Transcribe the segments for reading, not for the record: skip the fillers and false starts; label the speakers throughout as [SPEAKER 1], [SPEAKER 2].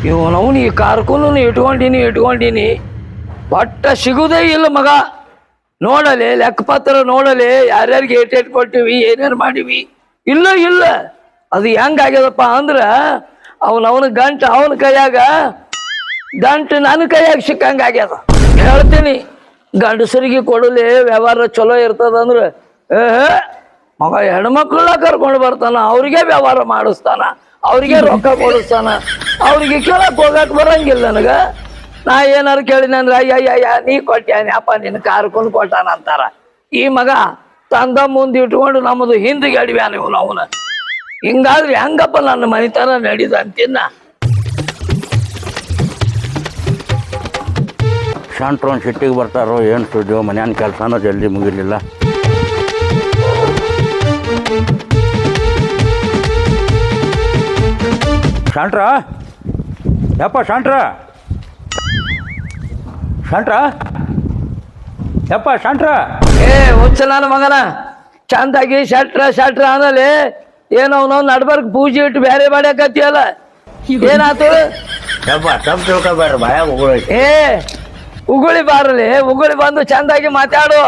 [SPEAKER 1] ಇವನವನು ಈ ಕಾರ್ಕೂನು ಇಟ್ಕೊಂಡಿನಿ ಒಟ್ಟ ಸಿಗುದೇ ಇಲ್ಲ ಮಗ. ನೋಡಲಿ ಲೆಕ್ಕಪತ್ರ ನೋಡಲಿ ಯಾರ್ಯಾರಿಗೆ ಏಟೇಟ್ ಕೊಟ್ಟಿವಿ ಏನೇನು ಮಾಡಿವಿ. ಇಲ್ಲ ಅದು ಹೆಂಗಾಗ್ಯದಪ್ಪ ಅಂದ್ರೆ ಅವನ ಗಂಟು ಅವನ ಕೈಯಾಗ ಗಂಟು ನನ್ನ ಕೈಯಾಗ ಸಿಕ್ಕಂಗಾಗ್ಯದ. ಹೇಳ್ತೀನಿ ಗಂಡಸರಿಗೆ ಕೊಡಲಿ ವ್ಯವಹಾರ ಚಲೋ ಇರ್ತದಂದ್ರೆ ಮಗ ಹೆಣ್ಮಕ್ಳನ್ನ ಕರ್ಕೊಂಡು ಬರ್ತಾನ, ಅವ್ರಿಗೆ ವ್ಯವಹಾರ ಮಾಡಿಸ್ತಾನ, ಅವ್ರಿಗೆ ರೊಕ್ಕ ಕೊಡಿಸ್ತಾನ, ಅವ್ರಿಗೆ ಕೇಳಕ್ ಹೋಗಕ್ ಬರಂಗಿಲ್ಲ ನನಗ. ನಾ ಏನಾರು ಕೇಳಿನಂದ್ರ ಅಯ್ಯ ನೀ ಕೊಟ್ಟ್ಯಾನಿ ಅಪ್ಪ ನಿನ್ನ ಕಾರ್ಕೊಂಡು ಕೊಟ್ಟಾನ ಅಂತಾರ. ಈ ಮಗ ತಂದ ಮುಂದೆ ಇಟ್ಕೊಂಡು ನಮ್ಮದು ಹಿಂದಿಗೆ ಅಡಿವ್ಯಾನ ಇವನು ಅವನ. ಹಿಂಗಾದ್ರೆ ಹೆಂಗಪ್ಪ ನನ್ನ ಮನಿತನ ನಡೀದ ಅಂತಿನ್ನ.
[SPEAKER 2] ಶಾಂಟ್ರೋನ್ ಸಿಟ್ಟಿಗೆ ಬರ್ತಾರೋ ಏನು ಸುದ್ದಿಯೋ, ಮನ್ಯಾನ ಕೆಲಸನೂ ಜಲ್ದಿ ಮುಗಿಲಿಲ್ಲ. ಶಾಂಟ್ರ ಯಪ್ಪ ಶಾಂಟ್ರ ಯಪ್ಪ ಶಾಂಟ್ರ.
[SPEAKER 1] ಹುಚ್ಚ ನನ್ನ ಮಗನ ಚಂದಾಗಿ ಶಟ್ರ ಆಮೇಲೆ ಏನೋ ನಾವು ನಡ್ಬರ್ಕ್ ಪೂಜೆ ಇಟ್ಟು ಬೇರೆ ಮಾಡ್ಯಾಕತ್ತಿಯಲ್ಲ, ಏನಾತು?
[SPEAKER 2] ಯಪ್ಪ ತಪ್ಪು ತಿಳ್ಕೊಬೇಡ್ರಿ, ಭಯ ಉಗುಳೈತಿ.
[SPEAKER 1] ಉಗುಳಿ ಬಾರಲಿ, ಉಗುಳಿ ಬಂದು ಚಂದಾಗಿ ಮಾತಾಡು.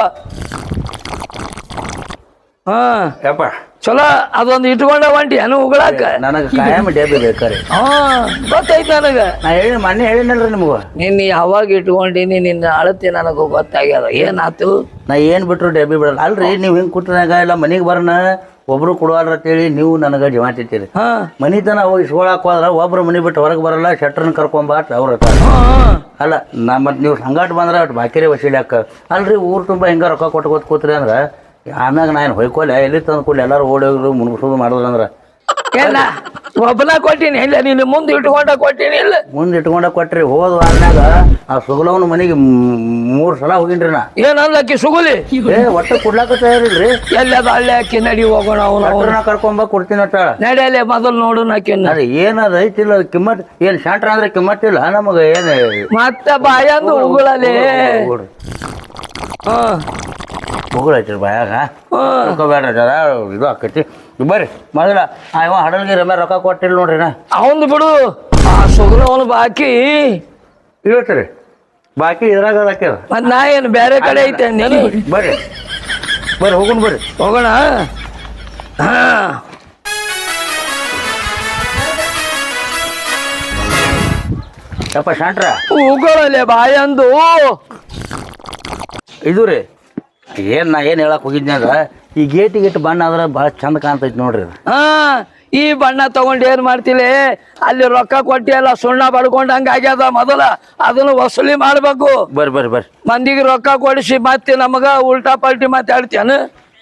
[SPEAKER 2] ಯಪ್ಪ
[SPEAKER 1] ಚಲೋ ಅದೊಂದು ಇಟ್ಕೊಂಡ ಹೊಂಟಿ ಏನು ಉಗುಳಾಕ?
[SPEAKER 2] ನನಗೆ ಕಾಯಂ ಡೇಬಿ ಬೇಕಾರೆ.
[SPEAKER 1] ಗೊತ್ತೈತಿ ನನಗ.
[SPEAKER 2] ನಾ ಮೊನ್ನೆ ಹೇಳಿನಲ್ರಿ ನಿಮ್ಗೆ.
[SPEAKER 1] ನಿನ್ನ ಯಾವಾಗ ಇಟ್ಕೊಂಡಿನಿ ನಿನ್ನ ಅಳತಿ ನನಗೂ ಗೊತ್ತಾಗ್ಯದ. ಏನಾತು?
[SPEAKER 2] ನಾ ಏನು ಬಿಟ್ರು ಡೇಬಿ ಬಿಡಲ್ಲ. ಅಲ್ರಿ ನೀವು ಹಿಂಗೆ ಕುಟ್ಟಾಗ ಇಲ್ಲ ಮನೆಗೆ ಬರೋಣ ಒಬ್ರು ಕೊಡುವಲ್ರ ಅಂತೇಳಿ ನೀವು ನನಗೆ ಜಮಾತಿರ್ತೀರಿ. ಮನಿತನ ಹೋಗಿ ಇಸ್ಕೊಳಕ್ ಹೋದ್ರ ಒಬ್ರು ಮನೆ ಬಿಟ್ಟು ಹೊರಗೆ ಬರಲ್ಲ, ಶೆಟ್ರನ್ನ ಕರ್ಕೊಂಬಾಟ್ ಅವ್ರ ಅಲ್ಲ. ಮತ್ತು ನೀವು ಸಂಗಾಟ ಬಂದ್ರೆ ಅಷ್ಟು ಬಾಕಿರೇ ವಸೀಲಾಕ ಅಲ್ರಿ. ಊರು ತುಂಬ ಹಿಂಗೆ ರೊಕ್ಕ ಕೊಟ್ಟು ಕೂತ್ರಿ ಅಂದ್ರೆ ಆಮ್ಯಾಗ ನಾನು ಹೊಯ್ಕೊಲ್ಲ ಎಲ್ಲಿ ತಂದು ಕೊಡ್ಲಿ ಎಲ್ಲರೂ ಓಡೋಗ್ರು ಮುನ್ಸೋದು ಮಾಡಿದ್ರು ಅಂದ್ರೆ
[SPEAKER 1] ಎಲ್ಲ ಒಬ್ಬನ ಕೊಟ್ಟಿನಿ ಇಲ್ಲ, ನೀನು ಮುಂದೆ ಇಟ್ಕೊಂಡ ಕೊಟ್ಟಿನಿ ಇಲ್ಲ.
[SPEAKER 2] ಮುಂದೆ ಇಟ್ಕೊಂಡ ಕೊಟ್ರಿ. ಹೋದ ವಾರನಾಗ ಆ ಸುಗಲವನ ಮನೆಗೆ 3 ಸಲ ಹೋಗಿನ್ರಿ ನಾ.
[SPEAKER 1] ಏನಂದ್ಲಕ್ಕಿ ಸುಗುಲಿ
[SPEAKER 2] ಒಟ್ಟು ಕೊಡ್ಲಾಕ ತಯಾರಿಲ್ರಿ.
[SPEAKER 1] ಎಲ್ಲದ ಹಳ್ಳಿ ಹಾಕಿ ನಡಿ ಹೋಗೋಣ.
[SPEAKER 2] ಅವನ ಕರ್ಕೊಂಬ ಕೊಡ್ತೀನಿ ಅಂತ
[SPEAKER 1] ನಡಿಯಲ್ಲೇ ಮೊದಲು ನೋಡು ನಾಕಿನ್ನ.
[SPEAKER 2] ಅದೇ ಏನದ ಐತಿಲ್ಲ ಕಿಮ್ಮತ್. ಏನು ಶಾಂಟ್ರ ಅಂದ್ರೆ ಕಿಮ್ಮತ್ತಿಲ್ಲ ನಮಗೆ. ಏನು
[SPEAKER 1] ಮತ್ತೆ ಬಾಯಂದು ಉಗುಳಲಿ
[SPEAKER 2] ಉಗುಳೈತಿ ಬಾಯಾಗ ಬೇಡ್ರಿ ಜರ ಇದು ಆಕೈತಿ. ಬರ್ರಿ ಮೊದಲ ಇವ ಹಡಲ್ಗಿ ರಮ್ಯ ರೊಕ್ಕ ಕೊಟ್ಟಿಲ್ಲ ನೋಡ್ರಿ ನಾ.
[SPEAKER 1] ಅವಂದು ಬಿಡು, ಆ ಸುಗುಲವನು ಬಾಕಿ
[SPEAKER 2] ಇವತ್ರಿ ಬಾಕಿ ಇದ್ರಾಗ ಹಾಕ್ಯದ.
[SPEAKER 1] ಮತ್ ನಾ ಏನು ಬೇರೆ ಕಡೆ ಐತೆ ನೀನು?
[SPEAKER 2] ಬರ್ರಿ ಹೋಗೋಣ ಬರ್ರಿ
[SPEAKER 1] ಹೋಗೋಣ.
[SPEAKER 2] ಯಪ್ಪ ಶಾಂಟ್ರ
[SPEAKER 1] ಉಗುಳಲೆ ಬಾಯಂದು
[SPEAKER 2] ಇದು ರೀ. ನಾ ಏನು ಹೇಳಕ್ ಹೋಗಿದ್ನಿ ಅಂದ್ರೆ ಈ ಗೇಟ್ ಬಣ್ಣ ಆದ್ರೆ ಭಾಳ ಚಂದ ಕಾಣ್ತೈತಿ ನೋಡ್ರಿ.
[SPEAKER 1] ಈ ಬಣ್ಣ ತಗೊಂಡು ಏನ್ ಮಾಡ್ತಿಲಿ? ಅಲ್ಲಿ ರೊಕ್ಕ ಕೊಟ್ಟಿ ಎಲ್ಲ ಸುಣ್ಣ ಬಡ್ಕೊಂಡ್ ಹಂಗ ಆಗ್ಯದ. ಮೊದಲ ಅದನ್ನು ವಸೂಲಿ ಮಾಡ್ಬೇಕು.
[SPEAKER 2] ಬರ್ರಿ
[SPEAKER 1] ಮಂದಿಗೆ ರೊಕ್ಕ ಕೊಡಿಸಿ ಮತ್ತೆ ನಮಗ ಉಲ್ಟಾ ಪಲ್ಟಿ ಮಾತಾಡ್ತೇನ?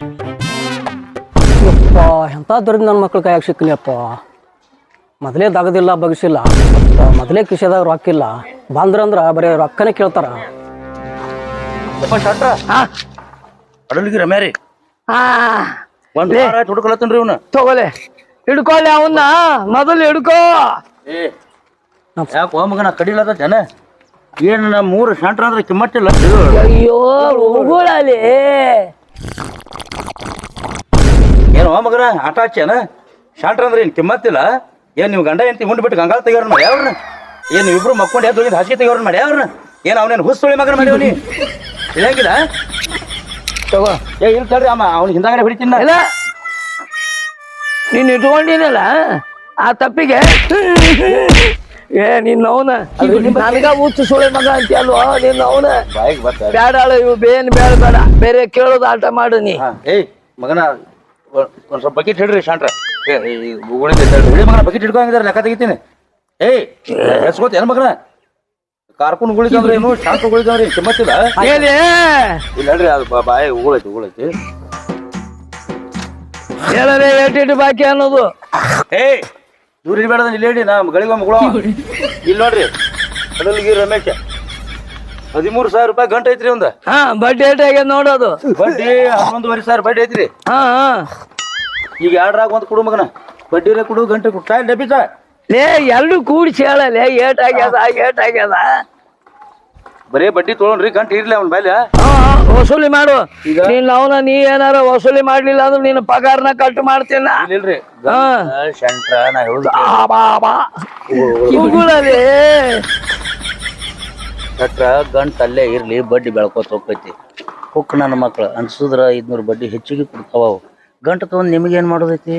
[SPEAKER 3] ಎಂತ ದೊಡ್ಡ ನನ್ನ ಮಕ್ಳ ಕೈಯಾಗ ಸಿಕ್ಕಲಿಯಪ್ಪ. ಮೊದಲೇ ದಗದಿಲ್ಲ ಬಗ್ಸಿಲ್ಲ, ಮೊದಲೇ ಕಿಶೆದಾಗ ರೊಕ್ಕ ಇಲ್ಲ. ಬಂದ್ರಂದ್ರ ಬರೀ ರೊಕ್ಕನೇ ಕೇಳ್ತಾರ.
[SPEAKER 2] ಶಾಂಟ್ರ ಅಡಲ್ಗಿ ರಮ್ಯ ರೀ ಒಂದ್ ಹುಡುಕಲತ್ತನ್ರಿ ಇವ್ನ.
[SPEAKER 1] ತಗೋಲೆ ಹಿಡ್ಕೊಲೆ ಅವನ್ನ ಮೊದಲು ಹಿಡ್ಕೋ.
[SPEAKER 2] ಯಾಕೆ ಮಗನ ಕಡಿಲತ್ತ ಜನ ಏನ್ 3 ಶಾಂಟ್ರ ಅಂದ್ರೆ ಕಿಮ್ಮತ್ತಿಲ್ಲ.
[SPEAKER 1] ಅಯ್ಯೋ ಉಗುಳಲಿ
[SPEAKER 2] ಏನು ಮಗನ ಆಟ ಹಚ್ಚೇನ? ಶಾಂಟ್ರ ಅಂದ್ರೆ ಏನ್ ಕಿಮ್ಮತ್ತಿಲ್ಲ? ಏನ್ ನೀವು ಗಂಡ ಎಂತಿ ಮುಂಡ್ ಬಿಟ್ಟು ಗಂಗಾಳ ತೆಗಿಯೋರ್ ಮಾಡಿ ಅವ್ರನ್ನ? ಏನ್ ಇಬ್ರು ಮಕ್ಕೊಂಡು ಎದ್ದು ಹೋಗಿದ್ದು ಹಾಸಿಗೆ ತೆಗಿಯೋರ್ ಮಾಡಿ ಅವ್ರನ್ನ? ಏನ್ ಅವನೇನು ಹುಸ್ತೊಳಿ ಮಗನ ಮಾಡಿವನಿ ಇಳಂಗಿಲ್ಲ?
[SPEAKER 1] ತಗೋ.
[SPEAKER 2] ಇಲ್ಲ ತಡ್ರಿ ಅಮ್ಮ ಅವ್ನ ಹಿಂದಾಗಡೆ ಹೊಡಿತೀನಿ.
[SPEAKER 1] ಇಲ್ಲ ನೀನ್ ಇಟ್ಕೊಂಡಿನಲ್ಲ ಆ ತಪ್ಪಿಗೆ ನಿನ್ನವನ ನನಗ ಹುಚ್ಚು ಸುಳೆ ಮಗ ಅಂತ ಅಲ್ವ ನಿನ್ನವನ. ಬೇಡ ಇವು ಬೇಡ ಬೇರೆ ಕೇಳೋದು ಆಟ ಮಾಡು ನೀ.
[SPEAKER 2] ಮಗನ ಒಂದ್ ಸ್ವಲ್ಪ ಬಕೆಟ್ ಹಿಡ್ರಿ ಶಾಂಟ್ರ. ಮಗನ ಬಕೆಟ್ ಹಿಡ್ಕೊಂಡಿದ್ದಾರೆ ಲೆಕ್ಕ ತೆಗಿತೀನಿ. ಎಸ್ಕೋತ ಏನ್ ಮಗನ ಕಾರ್ಕುನ್ ಉಗುಳಿದಂದ್ರೆ ಏನು ಶಾಂಟ್ರ ಉಗುಳಿದಂದ್ರೆ ಕಿಮ್ಮತ್ತಿಲ್ಲ. ಇಲ್ಲಡ್ರಿ ಅದು ಬಾಯಿ ಉಗುಳೈತಿ.
[SPEAKER 1] ಹೇಳರೆ ಏಟಿಟ್ಟು ಬಾಕಿ ಅನ್ನೋದು.
[SPEAKER 2] ದೂರ ಇರ್ಬೇಡ ಇಲ್ಲಿ ಹೇಳಿ ನಾ ಗಳಿಗೆ ಮಗಳ ಇಲ್ಲಿ ನೋಡ್ರಿ. ಅಡಲ್ಗಿ ರಮೇಶ 13,000 ರೂಪಾಯಿ ಗಂಟೆ ಐತ್ರಿ ಒಂದ.
[SPEAKER 1] ಬಡ್ಡಿ ಏಟ್ ಆಗ್ಯದ ನೋಡೋದು.
[SPEAKER 2] ಬಡ್ಡಿ 11,500 ಬಡ್ಡಿ ಐತ್ರಿ. ಈಗ 2 ಒಂದ್ ಕೊಡು ಮಗನ. ಬಡ್ಡಿ ಕೊಡು ಗಂಟೆ ಕೊಡು ಸಾಯ್ ಡಬ್ಬಿಸ.
[SPEAKER 1] ಲೇ ಎರಡು ಕೂಡಿಸಿ ಹೇಳಲೆ ಏಟ್ ಆಗ್ಯದ.
[SPEAKER 2] ಬರೇ ಬಡ್ಡಿ ತೊಗೊಂಡ್ರಿ ಗಂಟೆ ಇರ್ಲಿ ಅವ್ನ ಬೈಲ
[SPEAKER 1] ವಸೂಲಿ ಮಾಡು ನೀನ್ ಅವನ ನೀ ಏನಾರ ವಸೂಲಿ ಮಾಡ್ಲಿಲ್ಲ ಅಂದ್ರೆ ನಿನ್ನ ಪಗಾರನ ಕಟ್ ಮಾಡ್ತೀನ
[SPEAKER 2] ಇಲ್ರಿ ಶಂಟ್ರ ನಾ ಹೇಳುದು
[SPEAKER 1] ಉಗುಳಲಿ
[SPEAKER 2] ಶಟ್ರ ಗಂಟ ಅಲ್ಲೇ ಇರ್ಲಿ ಬಡ್ಡಿ ಬೆಳ್ಕೋತ ಹೋಗ್ತೈತಿ ಹುಕ್ ನನ್ನ ಮಕ್ಳು ಅನ್ಸುದ್ರ 500 ಬಡ್ಡಿ ಹೆಚ್ಚಿಗೆ ಕೊಡ್ತಾವ ಅವು ಗಂಟ ತಗೊಂಡ್ ನಿಮಗೇನ್ ಮಾಡೋದೈತಿ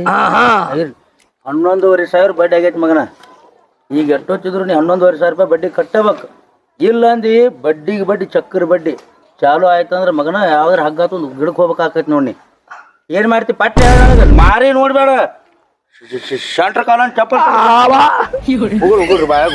[SPEAKER 2] 11,500 ಬಡ್ಡಿ ಆಗೈತಿ ಮಗನ ಈಗ ಎಷ್ಟೊತ್ತಿದ್ರು ನೀ 11,500 ರೂಪಾಯಿ ಬಡ್ಡಿ ಕಟ್ಟಬೇಕು ಇಲ್ಲ ಅಂದಿ ಬಡ್ಡಿಗೆ ಬಡ್ಡಿ ಚಕ್ಕರ್ ಬಡ್ಡಿ ಚಾಲು ಆಯ್ತಂದ್ರ ಮಗನ ಯಾವ್ದಾರ ಹಗ್ಗಾತ ಒಂದು ಗಿಡಕ್ಕೆ ಹೋಗ್ಬೇಕಾಕೈತಿ ನೋಡಿ ಏನ್ ಮಾಡ್ತಿ ಪಟ್ಟೆ ಮಾರಿ ನೋಡ್ಬೇಡ ಶಂಟ್ರ ಕಾಲ ಚಪ್ಪಲ್ ಉಗುಳ್ರಿ ಬಾಯಾಗ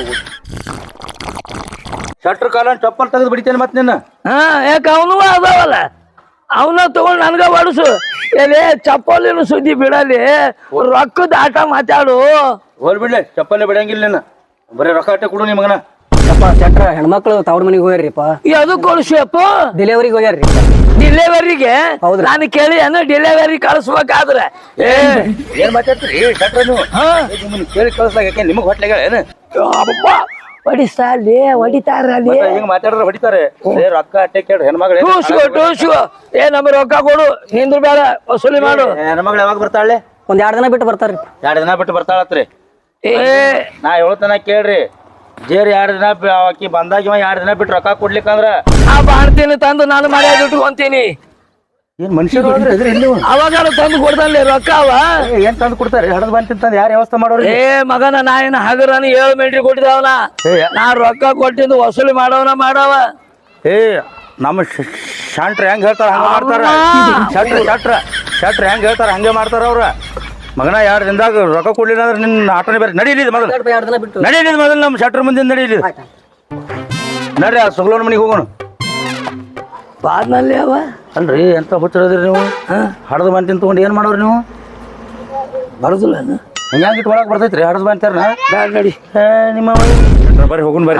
[SPEAKER 2] ಶಟ್ರ ಕಾಲ ಚಪ್ಪಲ್ ತೆಗೆದು ಬಿಡ್ತೇನೆ ಮತ್ತೆ ನಿನ್ನ
[SPEAKER 1] ಯಾಕ ಅವನು ಅದಾವಲ್ಲ ಅವನ ತಗೊಂಡ್ ನನ್ಗ ಬಡಸು ಎಲ್ಲಿ ಚಪ್ಪಲಿನ ಸುದ್ದಿ ಬಿಡಲಿ ರೊಕ್ಕದ ಆಟ ಮಾತಾಡು
[SPEAKER 2] ಹೋಲ್ ಬಿಡ್ಲೆ ಚಪ್ಪಲ್ಲೇ ಬಿಡಂಗಿಲ್ಲ ನಿನ್ನ ಬರೀ ರೊಕ್ಕ ಆಟ ಕೊಡು ನಿಮಗನ
[SPEAKER 3] ಅಪ್ಪ ಶೆಟ್ರ ಹೆಣ್ಮಕ್ಳು ತವ್ರ ಮನೆಗೆ ಹೋಗ್ಯಾರಿಪ್ಪ
[SPEAKER 1] ಅದು ಕೊಡ್ಸಪ್ಪ
[SPEAKER 3] ಡೆಲಿವರಿಗೆ ಹೋಗ್ಯಾರ್ರಿ
[SPEAKER 1] ಡಿಲೆವರಿಗೆ ನಾನು ಕೇಳಿ ಅನ್ನ ಡಿಲೆವರಿ ಕಳಿಸ್ಬೇಕಾದ್ರೆ
[SPEAKER 2] ಏನ್ ಮಾತಾಡ್ತೀರಿ ಶಟ್ರ ನೀವು ನಿಮ್ಮನ್ನ ಕೇಳಿ ಕಳಿಸ್ಲಾಕ ನಿಮಗ್ ಹೊಟ್ಲೆಗ ಏನು
[SPEAKER 1] ಹೊಡಿಸ್ತಾರಲ್ಲಿ ಹೊಡಿತಾರಲ್ಲಿ
[SPEAKER 2] ಹಿಂಗ್ ಮಾತಾಡಿದ್ರೆ ಹೊಡಿತಾರೆ ರೊಕ್ಕ ಅಟ್ಟೆ ಕೇಳಿ ಹೆಣ್ಮಗಳು
[SPEAKER 1] ಟೂಸು ನಮ್ಮ ರೊಕ್ಕ ಕೊಡು ನಿಂದ್ರ ಬೇಡ ವಸೂಲಿ ಮಾಡು
[SPEAKER 2] ಹೆಣ್ಮಗಳು ಯಾವಾಗ ಬರ್ತಾಳೆ
[SPEAKER 3] ಒಂದ್ 2 ದಿನ ಬಿಟ್ಟು ಬರ್ತಾರ್ರಿ
[SPEAKER 2] 2 ದಿನ ಬಿಟ್ಟು ಬರ್ತಾಳತ್ರಿ ನಾ ಹೇಳ್ತಾನ ಕೇಳ್ರಿ ಜೇರಿ 2 ದಿನ ಆಕಿ ಬಂದಾಗ 2 ದಿನ ಬಿಟ್ಟು ರೊಕ್ಕ ಕೊಡ್ಲಿಕ್ಕಂದ್ರ
[SPEAKER 1] ಆ ಬಾಣ್ತೀನಿ ತಂದು ನಾನು ಮರ್ಯಾದೆ ಇಟ್ಕೊಂತೀನಿ
[SPEAKER 2] ಏನ್ ಮನುಷ್ಯರು
[SPEAKER 1] ಅವಾಗ ತಂದು ಕೊಡ್ತಾನೆ ರೊಕ್ಕ ಅವ
[SPEAKER 2] ಏನ್ ತಂದು ಕೊಡ್ತಾರೆ ಹಡದ್ ಬಂದ್ ತಿಂತಂದ್ ಯಾರು ವ್ಯವಸ್ಥೆ ಮಾಡೋರು
[SPEAKER 1] ಮಗನ ನಾ ಏನ ಹಗರನ 7 ಮಿಲ್ಟ್ರಿ ಕೊಟ್ಟಿದವನ ನಾ ರೊಕ್ಕ ಕೊಟ್ಟಿದ್ದು ವಸೂಲಿ ಮಾಡವನ ಮಾಡವ
[SPEAKER 2] ನಮ್ಮ ಶಾಂಟ್ರ ಹೆಂಗ್ ಹೇಳ್ತಾರ ಹಂಗ ಮಾಡ್ತಾರ ಶಟ್ರ ಹೆಂಗ್ ಹೇಳ್ತಾರ ಹಂಗೆ ಮಾಡ್ತಾರ ಅವ್ರ ಮಗನ 2 ದಿನದಾಗ ರೊಕ್ಕ ಕೊಡ್ಲಿಲ್ಲ ಅಂದ್ರೆ ನಿನ್ನ ಆಟೋನೇ ಬೇರೆ ನಡೀಲಿದ್ ಮೊದಲು ನಡೀಲಿದ್ ಮೊದಲು ನಮ್ಮ ಶಟ್ರ ಮುಂದೆ ನಡೀಲಿ ನಡ್ರಿ ಆ ಸುಗ್ಲೋನ್ ಮನಿಗೆ ಹೋಗೋಣ
[SPEAKER 1] ಬಾದ್ನಲ್ಲಿ ಅವ
[SPEAKER 2] ಅಲ್ರಿ ಎಂತ ಹುಚ್ಚಿರೋದ್ರಿ ನೀವು ಹಡದ ಬಂದು ತಿಂತ್ಕೊಂಡು ಏನ್ ಮಾಡೋರಿ ನೀವು
[SPEAKER 1] ಬರೋದಿಲ್ಲ
[SPEAKER 2] ಹಿಂಗ್ಯಾಂಗ ಇಟ್ಟು ಒಳಗೆ ಬರ್ತೈತ್ರಿ ಹಡದ ಬಂತಾರ
[SPEAKER 1] ನಡಿ
[SPEAKER 2] ನಿಮ್ಮ ಬರ್ರಿ ಹೋಗೋಣ ಬರ್ರಿ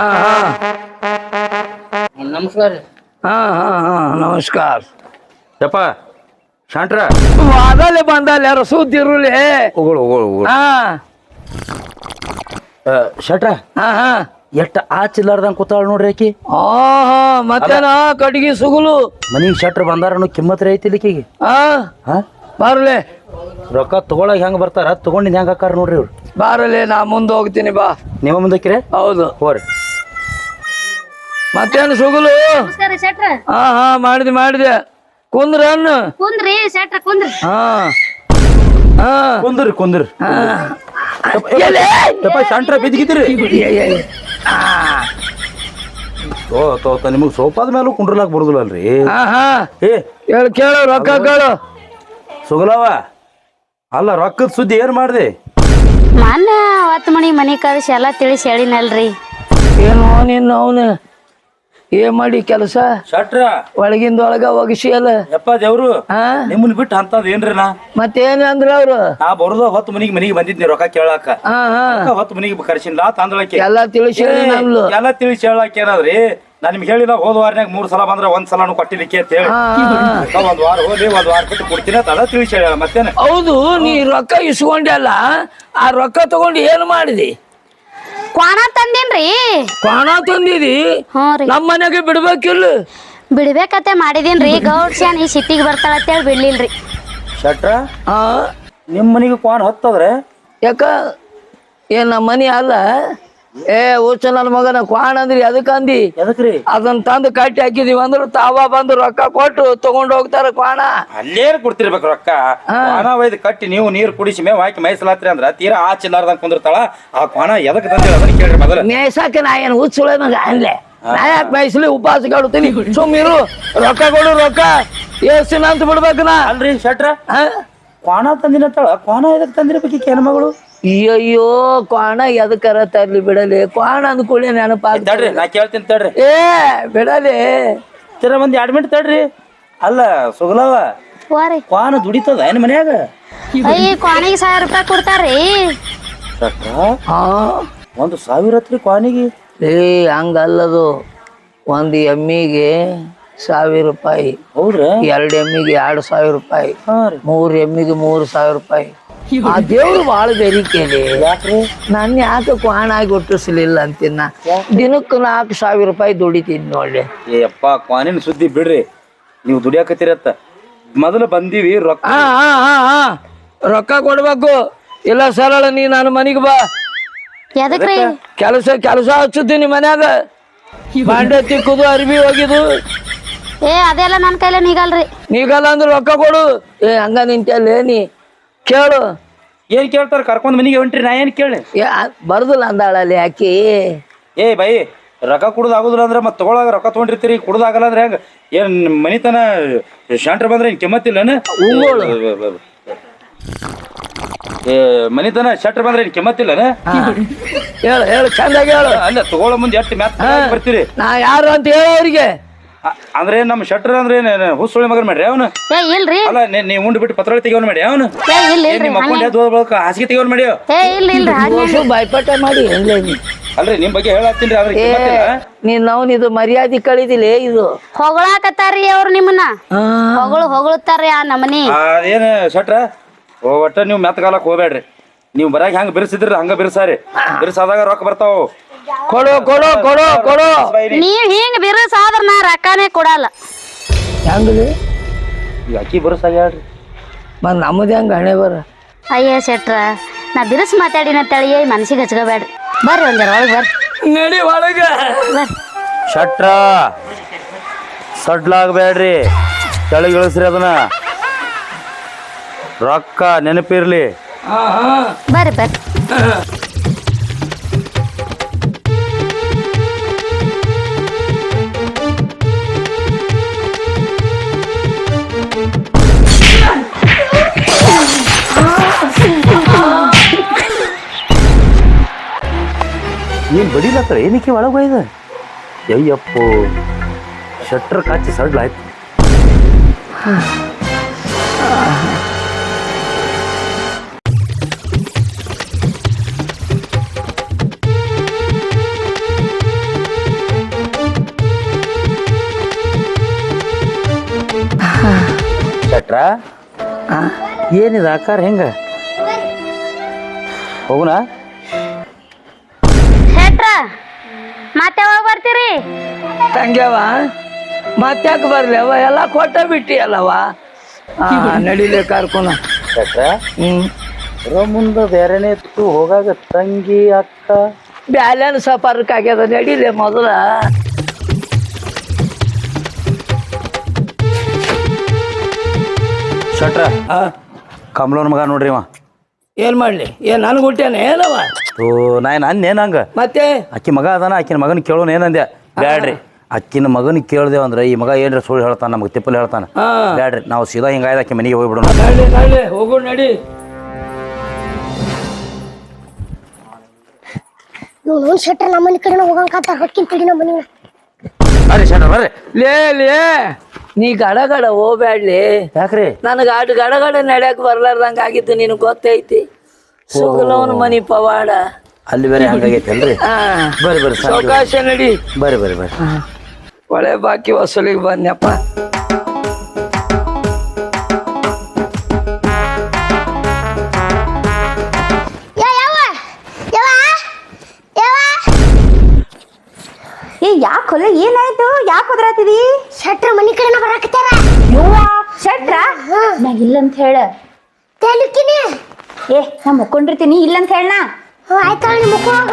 [SPEAKER 3] ನಮಸ್ಕಾರ
[SPEAKER 1] ನಮಸ್ಕಾರ
[SPEAKER 2] ಯಪ್ಪ ಶಾಂಟ್ರ
[SPEAKER 1] ಅದಲ್ಲೇ ಬಂದಲ್ಲ ಯಾರು ಸುದ್ದಿರುಲಿ
[SPEAKER 2] ಹೋಗೋಳು ಶಟ್ರ ಎಷ್ಟ ಆಚಿಲ್ಲಾರ್ದಂಗ ಕೂತಾಳ ನೋಡ್ರಿ ಆಕಿ
[SPEAKER 1] ಮತ್ತೇನ ಕಟ್ಗಿ ಸುಗುಲು
[SPEAKER 2] ಮನಿಗ್ ಶಟ್ರ ಬಂದಾರ ಕಿಮ್ಮತ್ರಿ ಐತಿ ಇಲ್ಲಿಕಿಗೆ
[SPEAKER 1] ಬಾರಲೆ
[SPEAKER 2] ರೊಕ್ಕ ತಗೊಳಕ್ ಹೆಂಗ್ ಬರ್ತಾರ ತಗೊಂಡಿದ್ ಹೆಂಗ್ ಹಾಕಾರ ನೋಡ್ರಿ ಇವ್ರು
[SPEAKER 1] ಬಾರಲೆ ನಾ ಮುಂದೆ ಹೋಗ್ತೀನಿ ಬಾ
[SPEAKER 2] ನೀವು ಮುಂದಕ್ಕಿರಿ
[SPEAKER 1] ಹೌದು
[SPEAKER 2] ಹೋರಿ
[SPEAKER 1] ಮತ್ತೇನು ಸುಗುಲು ಮಾಡಿದೆ ಕುಂದ್ರ ಅನ್ನು
[SPEAKER 4] ಕುಂದ್ರಿ ಶೆಟ್ರ ಕುಂದ್ರಿ
[SPEAKER 2] ಕುಂದ್ರಿ ಶಂಟ್ರ ಬಿದ್ದಿಗಿದ್ರಿ ನಿಮಗ್ ಸೋಪಾದ ಮೇಲೂ ಕುಂಡ್ರಲಾಕ್ ಬರುದಿಲ್ಲ ಅಲ್ರಿ
[SPEAKER 1] ಕೇಳು ರೊಕ್ಕ ಕೇಳು
[SPEAKER 2] ಸುಗಲವ ಅಲ್ಲ ರೊಕ್ಕದ ಸುದ್ದಿ ಏನ್ ಮಾಡ್ದೆ
[SPEAKER 4] ಮೊನ್ನೆ 10 ಮನಿ ಕಳಿಸಿ ಎಲ್ಲ ತಿಳಿಸಿ ಹೇಳಿನಲ್ರಿ
[SPEAKER 1] ಏನು ನಿನ್ನ ಅವನು ಏನ್ ಮಾಡಿ ಕೆಲಸ
[SPEAKER 2] ಶಟ್ರ
[SPEAKER 1] ಒಳಗಿಂದೊಳಗ ಒಗಸಿ ಅಲ್ಲ
[SPEAKER 2] ಯಪ್ಪ ದೇವ್ರು ನಿಮ್ಮನ್ ಬಿಟ್ಟು ಅಂತದ್ ಏನ್ರಿ ನಾ
[SPEAKER 1] ಮತ್ತೇನ ಅಂದ್ರ ಅವ್ರು
[SPEAKER 2] ನಾ ಬರೋದ 10 ಮನಿಗೆ ಬಂದಿದ್ನಿ ರೊಕ್ಕ ಕೇಳಾಕ 10 ಮನಿಗೆ ಕರ್ಸಿನ್ಲಾ ತಂದಳಕ್ಕೆ
[SPEAKER 1] ಎಲ್ಲಾ ತಿಳಿಸಿ
[SPEAKER 2] ಎಲ್ಲ ತಿಳಿಸಿ ಹೇಳಾಕ ಏನಾದ್ರಿ ನಾ ನಿಮ್ಗೆ ಹೇಳಿದ ಹೋದ ವಾರನಾಗ 3 ಸಲ ಬಂದ್ರ 1 ಸಲನು ಕೊಟ್ಟಿದ್ದಕ್ಕೆ ಅಂತ ಹೇಳಿ 1 ವಾರ ಹೋಗಿ 1 ವಾರ ಬಿಟ್ಟು ಕೊಡ್ತೀನಿ ಅಂತ ತಿಳಿಸಿ ಹೇಳ ಮತ್ತೇನ
[SPEAKER 1] ಹೌದು ನೀ ರೊಕ್ಕ ಇಸ್ಕೊಂಡೆಲ್ಲ ಆ ರೊಕ್ಕ ತಗೊಂಡು ಏನ್ ಮಾಡಿದಿ
[SPEAKER 4] ಕ್ವಾಣ ತಂದೇನ್ರಿ
[SPEAKER 1] ಕ್ವಾಣ ತಂದಿದಿ ನಮ್ಮ ಮನೆಗೆ ಬಿಡ್ಬೇಕಿಲ್ಲ
[SPEAKER 4] ಬಿಡ್ಬೇಕತ್ತೆ ಮಾಡಿದೀನ್ರಿ ಗೌಡ್ಸ್ಯಾನ್ ಈ ಸಿಟ್ಟಿಗೆ ಬರ್ತಾಳ ಅಂತೇಳಿ ಬಿಡ್ಲಿಲ್ರಿ
[SPEAKER 2] ಶಟ್ರ ನಿಮ್ ಮನಿಗೆ ಕ್ವಾಣ ಹತ್ತದ್ರೆ
[SPEAKER 1] ಯಾಕ ಏನ್ ನಮ್ಮ ಮನಿ ಅಲ್ಲ ಹುಚ್ಚ ನನ್ನ ಮಗನ ಕ್ವಾಣ ಅಂದ್ರಿ ಅದಕ್ಕಂದಿ
[SPEAKER 2] ಎದಕ್ರಿ
[SPEAKER 1] ಅದನ್ನ ತಂದು ಕಟ್ಟಿ ಹಾಕಿದೀವಿ ಅಂದ್ರ ತಾವ ಬಂದು ರೊಕ್ಕ ಕೊಟ್ಟು ತಗೊಂಡ್ ಹೋಗ್ತಾರ ಕ್ವಾಣ
[SPEAKER 2] ಅಲ್ಲೇನ್ ಕೊಡ್ತಿರ್ಬೇಕು ರೊಕ್ಕ ಕ್ವಾಣ ಒಯ್ದು ಕಟ್ಟಿ ನೀವು ನೀರ್ ಕುಡಿಸಿ ಮೇವ್ ಹಾಕಿ ಮೈಸಲಾತ್ರಿ ಅಂದ್ರ ತೀರಾ ಆಚಿಲ್ಲಾರ್ದಂಗ್ ಕುಂದಿರ್ತಾಳ ಆ ಕ್ವಾಣ ಎದಕ್ ತಂದಿರ ಅದನ್ನ ಕೇಳ್ರಿ ಮೊದಲ
[SPEAKER 1] ಮೇಯ್ಸಾಕ ನಾ ಏನ್ ಹುಚ್ಚುಳ ಮಗ ಅನ್ಲೆ ನಾ ಯಾಕೆ ಬಯಸ್ಲಿ ಉಪವಾಸ ಕಾಡುತ್ತೀನಿ ಸುಮ್ಮಿರು ರೊಕ್ಕ ಕೊಡು ರೊಕ್ಕ ಎಷ್ಟಿನ ಅಂತ ಬಿಡ್ಬೇಕನ
[SPEAKER 2] ಅಲ್ರಿ ಶಟ್ರ ಕ್ವಾಣ ತಂದಿನತ್ತಾಳ ಕ್ವಾಣ ಎದಕ್ ತಂದಿರ್ಬೇಕು ಹೆಣ್ಣು ಮಗಳು
[SPEAKER 1] ಅಯ್ಯೋ ಕ್ವಾಣ ಎದಕ್ಕರ ತರ್ಲಿ ಬಿಡಲಿ ಕ್ವಾಣ ಅಂದ್ಕೊಳ್ಳಿ ನೆನಪಾಗ್ತಡ್ರಿ
[SPEAKER 2] ನಾ ಕೇಳ್ತೀನಿ ತಡ್ರಿ
[SPEAKER 1] ಬಿಡಲಿ
[SPEAKER 2] ತೀರ ಒಂದ್ 2 ಮಿನಿಟ್ ತಡ್ರಿ ಅಲ್ಲ ಸುಗಲವ ಕ್ವಾಣ ದುಡಿತದ ಏನ್ ಮನ್ಯಾಗ
[SPEAKER 4] ಅಯ್ಯ ಕ್ವಾಣಿಗೆ 1000 ರೂಪಾಯಿ ಕೊಡ್ತಾರ್ರಿ
[SPEAKER 2] $1,000 ಹತ್ರಿ ಕ್ವಾಣಿಗೆ
[SPEAKER 1] ಹಂಗಲ್ಲದು ಒಂದ್ ಎಮ್ಮಿಗೆ 1000 ರೂಪಾಯಿ
[SPEAKER 2] ಹೌದ್ರಾ
[SPEAKER 1] 2 ಎಮ್ಮಿಗೆ 2000 ರೂಪಾಯಿ 3 ಎಮ್ಮಿಗೆ 3000 ರೂಪಾಯಿ ಆ ದೇವ್ರು ಬಾಳ ಬೆರಿಕೆಲಿ ನಾನು ಯಾಕೆ ಕ್ವಾಣ ಆಗಿ ಹುಟ್ಟಿಸ್ಲಿಲ್ಲ ಅಂತಿನ್ನ ದಿನಕ್ಕೆ 4,000 ರೂಪಾಯಿ ದುಡಿತೀನಿ ನೋಡಿ.
[SPEAKER 2] ಏಪ್ಪ ಕ್ವಾನಿನ ಸುದ್ದಿ ಬಿಡ್ರಿ, ನೀವು ದುಡಿಯಾಕತ್ತೀರತ್ತ. ಮೊದಲು ಬಂದೀವಿ ರೊಕ್ಕ.
[SPEAKER 1] ರೊಕ್ಕ ಕೊಡ್ಬೇಕು, ಇಲ್ಲ ಸರಳ ನೀ ನನ್ನ ಮನೆಗೆ ಬಾ.
[SPEAKER 4] ಎದಕ್ರಿ?
[SPEAKER 1] ಕೆಲಸ ಹಚ್ಚುತ್ತೀನಿ ಮನ್ಯಾಗ. ಬಾಂಡೆ ತಿಕ್ಕುದು, ಅರ್ಬಿ ಹೋಗಿದು.
[SPEAKER 4] ಅದೆಲ್ಲ ನನ್ನ ಕೈಲೇ ನೀಗಲ್ರಿ.
[SPEAKER 1] ನೀಗಲ್ಲ ಅಂದ್ರೆ ರೊಕ್ಕ ಕೊಡು. ಹಂಗ ನಿಂತಲ್ಲೇ ನೀ ಕೇಳು.
[SPEAKER 2] ಏನ್ ಕೇಳ್ತಾರ? ಕರ್ಕೊಂಡ್ ಮನಿಗೆ ಹೊಂಟ್ರಿ, ನಾ ಏನ್ ಕೇಳಿ?
[SPEAKER 1] ಬರ್ದಿಲ್ಲ ಅಂದಾಳಲ್ಲಿ ಆಕಿ.
[SPEAKER 2] ಬೈ ರೊಕ್ಕ ಕುಡ್ದು ಆಗುದಿಲ್ಲ ಅಂದ್ರೆ ಮತ್ತೆ ತಗೊಳಾಗ ರೊಕ್ಕ ತೊಗೊಂಡಿರ್ತೀರಿ, ಕುಡ್ದಾಗಲ್ಲ ಅಂದ್ರೆ ಹೆಂಗ? ಏನ್ ಮನಿತನ ಶಾಂಟ್ರ ಬಂದ್ರೆ ಏನ್ ಕೆಮ್ಮತ್ತಿಲ್ಲನ? ಮನಿತನ ಶಟ್ರ್ ಬಂದ್ರೆ ಏನ್ ಕೆಮ್ಮತ್ತಿಲ್ಲನ?
[SPEAKER 1] ಹೇಳು ಚಂದಾಗಿ ಹೇಳು.
[SPEAKER 2] ಅಲ್ಲ ತಗೊಳ್ಳೋ ಮುಂದೆ ಎಷ್ಟು ಮ್ಯಾತ್ ಬರ್ತೀರಿ?
[SPEAKER 1] ನಾ ಯಾರು ಅಂತ ಹೇಳ ಅವ್ರಿಗೆ.
[SPEAKER 2] ಅಂದ್ರೆ ನಮ್ಮ ಶಟ್ರ್ ಅಂದ್ರೆ ಹುಸುಳಿ ಮಗನ್ ಮಾಡ್ರಿ ಅವನು?
[SPEAKER 4] ಇಲ್ರಿ.
[SPEAKER 2] ಅಲ್ಲ ನೀ ಉಂಡು ಬಿಟ್ಟು ಪತ್ರ ತೆಗಿಯೋನ್ ಮಾಡಿ ಅವನು? ಹಾಸಿಗೆ ತೆಗಿಯೋನ್ ಮಾಡಿ
[SPEAKER 1] ಬಾಯ್ಪಾಠ ಮಾಡಿ
[SPEAKER 2] ಅಲ್ರಿ ನಿಮ್ ಬಗ್ಗೆ ಹೇಳತ್ತೀನಿ.
[SPEAKER 1] ನೀನ್ ನಾವು ಇದು ಮರ್ಯಾದೆ ಕಳಿದಿಲ್ಲ. ಇದು
[SPEAKER 4] ಹೊಗಳಾಕತ್ತಾರಿ ಅವ್ರು ನಿಮ್ಮನ್ನ, ಹೊಗಳುತ್ತಾರಿ ಆ ನಮನಿ.
[SPEAKER 2] ಏನ್ ಶಟ್ರ ಒಟ್ಟ ನೀವು ಮೆತ್ತಗಾಲಕ್ ಹೋಗ್ಬೇಡ್ರಿ. ನೀವು ಬರಾಗ ಹೆಂಗ್ ಬಿರ್ಸಿದ್ರಿ ಹಂಗ ಬಿರ್ಸಾರಿ. ಬಿರ್ಸಾದಾಗ ರೊಕ್ಕ ಬರ್ತಾವ.
[SPEAKER 1] ಕೊಡು ಕೊಡು ಕೊಡು ಕೊಡು.
[SPEAKER 4] ನೀವ್ ಹಿಂಗ್ ಬಿರುಸಾದ್ರ ನಾ ರೊಕ್ಕನೇ ಕೊಡಲ್ಲ.
[SPEAKER 1] ಹೆಂಗ್ರಿ
[SPEAKER 2] ಈಗ ಅಕ್ಕಿ ಬಿರ್ಸಾಗ ಹೇಳ್ರಿ,
[SPEAKER 1] ಮತ್ ನಮ್ಮದ ಹೆಂಗ ಹಣೆ ಬರ.
[SPEAKER 4] ಅಯ್ಯ ಶೆಟ್ರ, ನಾ ಬಿರುಸ್ ಮಾತಾಡಿನ ತಳಿ ಮನಸ್ಸಿಗೆ ಹಚ್ಕೋಬೇಡ್ರಿ. ಬರ್ರಿ ಒಂದರ ಒಳಗೆ ಬರ್ರಿ.
[SPEAKER 1] ನಡಿ ಒಳಗ.
[SPEAKER 2] ಶಟ್ರ ಸಡ್ಲಾಗಬೇಡ್ರಿ, ಕೆಳಗಿಳಿಸ್ರಿ ಅದನ್ನ. ರೊಕ್ಕ ನೆನಪಿರ್ಲಿ.
[SPEAKER 4] ಬರ್ರಿ ಬರ್ರಿ.
[SPEAKER 2] ಏನ್ ಬಡಿಲತ್ತ ಏನಕ್ಕೆ ಒಳಗೆ ಹೋಯ್ದ? ಅಯ್ಯಪ್ಪೋ, ಶಟ್ರ್ ಕಾಚಿ ಸಡ್ಲಾಯ್ತು. ಶಟ್ರ ಏನಿದೆ ಆಕಾರ ಹೆಂಗ? ಹೋಗುನಾ?
[SPEAKER 4] ಮತ್ತೆ ಯಾವಾಗ ಬರ್ತೀರಿ?
[SPEAKER 1] ತಂಗ್ಯವ ಮತ್ತ್ಯಾಕ ಬರ್ಲಿ ಅವ, ಎಲ್ಲ ಕೊಟ್ಟ ಬಿಟ್ಟಿ ಅಲ್ಲವ. ನಡಿಲೆ ಕಾರ್ಕೊನ.
[SPEAKER 2] ಮುಂದೆ ಬೇರೆನೇ ಇತ್ತು, ಹೋಗಾಗ ತಂಗಿ ಅಕ್ಕ
[SPEAKER 1] ಬ್ಯಾಲೆನ್ಸ್ ಪರ್ಕ್ ಆಗ್ಯದ. ನಡಿಲೆ ಮೊದಲ.
[SPEAKER 2] ಶಟ್ರ ಕಮಲೋನ್ ಮಗ ನೋಡ್ರಿ ಅವ.
[SPEAKER 1] ಏನ್ ಮಾಡ್ಲಿ? ಏನ್ ನನ್ಗೆ ಹುಟ್ಟ್ಯಾನ ಏನವ?
[SPEAKER 2] ನಾನೇನ್ ಹಂಗ
[SPEAKER 1] ಮತ್ತೆ
[SPEAKER 2] ಅಕ್ಕಿ ಮಗ ಅದಾನ, ಆಕಿನ ಮಗನ ಕೇಳೋನ್ ಏನಂದ್ಯ? ಬ್ಯಾಡ್ರಿ, ಅಕ್ಕಿನ ಮಗನ ಕೇಳ್ದೇವ ಅಂದ್ರೆ ಈ ಮಗ ಏನ್ರ ಸುಳ್ಳು ಹೇಳ್ತಾನ, ನಮ್ಗೆ ತಿಪ್ಪಲ್ ಹೇಳ್ತಾನ. ಬ್ಯಾಡ್ರಿ, ನಾವು ಸೀದಾ ಹಿಂಗಾಯ್ದ ಆಕಿ ಮನೆಗೆ ಹೋಗ್ಬಿಡೋಣ.
[SPEAKER 1] ನಡಿ ಹೋಗು ನಡಿ.
[SPEAKER 5] ಶೆಟ್ರ ನಮ್ಮನೆ ಕಡೆ ಹೋಗಂತ ಹೊಕ್ಕಿನ ತಡಿ ನಮ್ಮ ಮನೆ.
[SPEAKER 2] ಬರ್ರಿ ಶಟ್ರ ಬರ್ರಿ.
[SPEAKER 1] ಲೇ ನೀ ಗಡಗಡ ಹೋಗ್ಬ್ಯಾಡ್ಲಿ.
[SPEAKER 2] ಯಾಕ್ರಿ?
[SPEAKER 1] ನನಗ ಆಟ ಗಡಗಡ ನಡ್ಯಾಕ ಬರ್ಲಾರ್ದಂಗ ಆಗಿತ್ತು. ನಿನಗ್ ಗೊತ್ತೈತಿ ಸುಗಲವನ ಮನಿ ಪವಾಡ.
[SPEAKER 2] ಅಲ್ಲಿ ಬೇರೆ ಹಂಗಾಗೈತಿ ಅಲ್ರಿ? ಬರ್ರಿ ಬರ್ರಿ
[SPEAKER 1] ಅವಕಾಶ ನಡಿ.
[SPEAKER 2] ಬರ್ರಿ ಬರ್ರಿ ಬರ್ರಿ.
[SPEAKER 1] ಒಳ್ಳೆ ಬಾಕಿ ವಸೂಲಿಗೆ ಬನ್ಯಪ್ಪ.
[SPEAKER 6] ಯಾಕೆ ಹೊಲ ಏನಾಯ್ತು? ಯಾಕೆ ಹೋದ್ರಾತಿದಿ?
[SPEAKER 5] ಶೆಟ್ರ ಮನಿ ಕಡೆ ಬರಾಕತ್ತಾರ.
[SPEAKER 6] ಶೆಟ್ರ ನಾ ಇಲ್ಲಂತ ಹೇಳ.
[SPEAKER 5] ತೆಲುಕಿನಿ
[SPEAKER 6] ನಾ ಮುಕ್ಕೊಂಡಿರ್ತೀನಿ, ಇಲ್ಲಂತ ಹೇಳ.
[SPEAKER 5] ಆಯ್ತಾ ಮುಕ್ಕೋಗ.